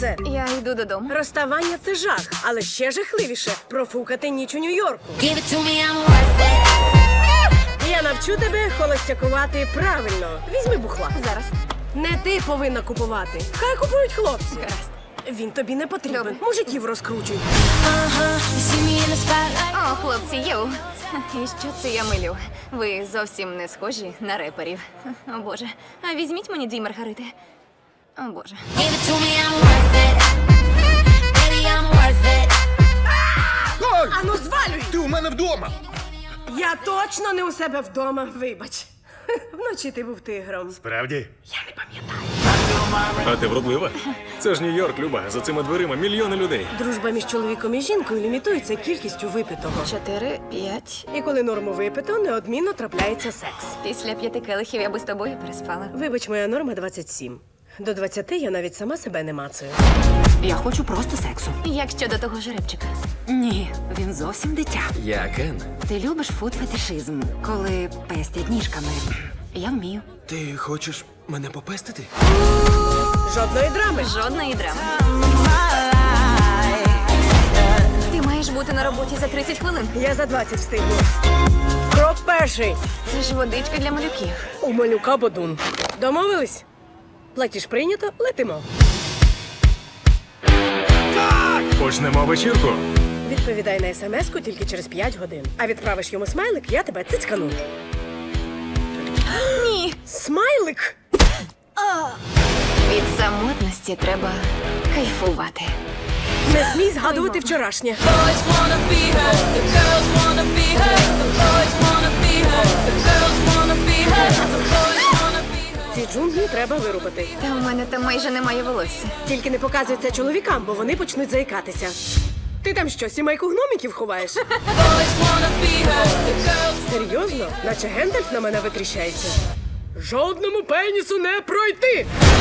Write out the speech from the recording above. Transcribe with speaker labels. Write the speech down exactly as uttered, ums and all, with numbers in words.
Speaker 1: це?
Speaker 2: Я йду додому.
Speaker 1: Розставання – це жах, але ще жахливіше – профукати ніч у Нью-Йорку.
Speaker 3: Give it to me, I'm worth it.
Speaker 1: Я навчу тебе холостякувати правильно. Візьми бухла.
Speaker 2: Зараз.
Speaker 1: Не ти повинна купувати. Хай купують хлопці.
Speaker 2: Гаразд.
Speaker 1: Він тобі не потрібен.
Speaker 2: Добре.
Speaker 1: Мужиків розкручуй.
Speaker 3: Uh-huh. You see me in the spotlight.
Speaker 2: О, хлопці, йоу. І що це я милю? Ви зовсім не схожі на реперів. О, Боже. А візьміть мені дві маргарити. О, Боже.
Speaker 3: Give it to me, I'm worth it. Baby, I'm worth it.
Speaker 4: Оль!
Speaker 1: Ану, звалюй!
Speaker 4: Ти у мене вдома!
Speaker 1: Я точно не у себе вдома, вибач. Вночі ти був тигром.
Speaker 4: Правді?
Speaker 1: Я не пам'ятаю.
Speaker 5: А ти вродлива? Це ж Нью-Йорк, Люба. За цими дверима мільйони людей.
Speaker 1: Дружба між чоловіком і жінкою лімітується кількістю випитого.
Speaker 2: Чотири, п'ять.
Speaker 1: І коли норму випито, неодмінно трапляється секс.
Speaker 2: Після п'яти келихів я би з тобою переспала.
Speaker 1: Вибач, моя норма двадцять сім. До двадцяти я навіть сама себе не мацаю.
Speaker 6: Я хочу просто сексу.
Speaker 2: Як щодо того жеребчика?
Speaker 6: Ні, він зовсім дитя.
Speaker 5: Я Кен.
Speaker 6: Ти любиш фуд-фетишизм, коли пестять ніжками. Я вмію.
Speaker 5: Ти хочеш мене попестити?
Speaker 1: Жодної драми.
Speaker 2: Жодної драми. Ти маєш бути на роботі за тридцять хвилин.
Speaker 1: Я за двадцять встигну. Крок перший.
Speaker 2: Це ж водичка для малюків.
Speaker 1: У малюка бодун. Домовились? Платіж прийнято, летимо.
Speaker 5: Почнемо вечірку.
Speaker 1: Відповідай на смс-ку тільки через п'ять годин. А відправиш йому смайлик, я тебе цицькану.
Speaker 2: Ні.
Speaker 1: Смайлик?
Speaker 2: Від самотності треба кайфувати.
Speaker 1: Не смій згадувати вчорашнє. Ці джунглі треба вирубати.
Speaker 2: Та у мене там майже немає волосся.
Speaker 1: Тільки не показуй це чоловікам, бо вони почнуть заїкатися. Ти там що, сімейку гномиків ховаєш? Серйозно? Наче Гендальф на мене витріщається. Жодному пенісу не пройти!